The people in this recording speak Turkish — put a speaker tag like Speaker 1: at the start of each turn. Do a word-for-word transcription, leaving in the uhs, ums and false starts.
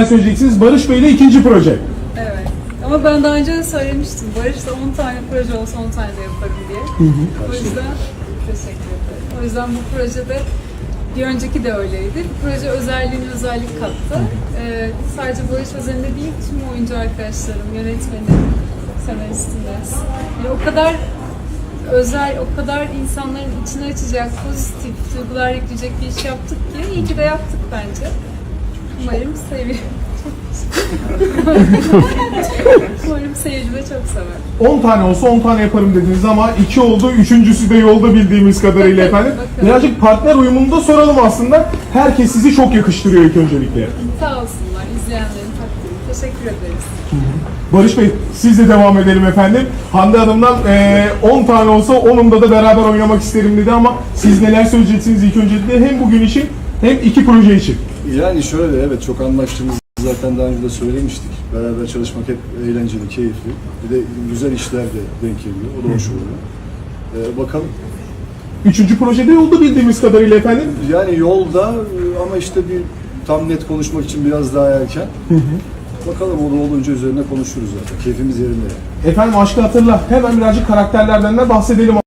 Speaker 1: söyleyeceksiniz. Barış Bey ile ikinci proje.
Speaker 2: Evet. Ama ben daha önce de söylemiştim. Barış'ta on tane proje olsa on tane de yaparım diye. Hı hı. O yüzden teşekkür ederim. O yüzden bu projede bir önceki de öyleydi. Bu proje özelliğini özellik kattı. Ee, sadece Barış özelinde değil, tüm oyuncu arkadaşlarım, yönetmenim, senaristim de. Yani o kadar özel, o kadar insanların içine açacak, pozitif duygular yükleyecek bir iş yaptık ki iyi ki de yaptık bence. Umarım seviyorum. Umarım seyirci de çok sever.
Speaker 1: on tane olsa on tane yaparım dediniz ama iki oldu, üçüncüsü de yolda bildiğimiz kadarıyla efendim.
Speaker 2: Bakalım.
Speaker 1: Birazcık partner uyumunu da soralım aslında. Herkes sizi çok yakıştırıyor ilk öncelikle.
Speaker 2: Sağ olsunlar izleyenlerin takdiri. Teşekkür ederiz.
Speaker 1: Barış Bey, siz de devam edelim efendim. Hande Hanım'dan on tane olsa onunda da beraber oynamak isterim dedi ama siz neler söyleyeceksiniz ilk öncelikle hem bugün için hem iki proje için?
Speaker 3: Yani şöyle, evet, çok anlaştığımız zaten daha önce de söylemiştik. Beraber çalışmak hep eğlenceli, keyifli. Bir de güzel işler de denk geliyor. O da hoş oluyor. Ee, bakalım.
Speaker 1: Üçüncü projede yolda bildiğimiz kadarıyla efendim.
Speaker 3: Yani yolda ama işte bir tam net konuşmak için biraz daha erken. Hı hı. Bakalım, o da olunca üzerine konuşuruz zaten. Keyfimiz yerinde yani.
Speaker 1: Efendim Aşkı Hatırla. Hemen birazcık karakterlerden de bahsedelim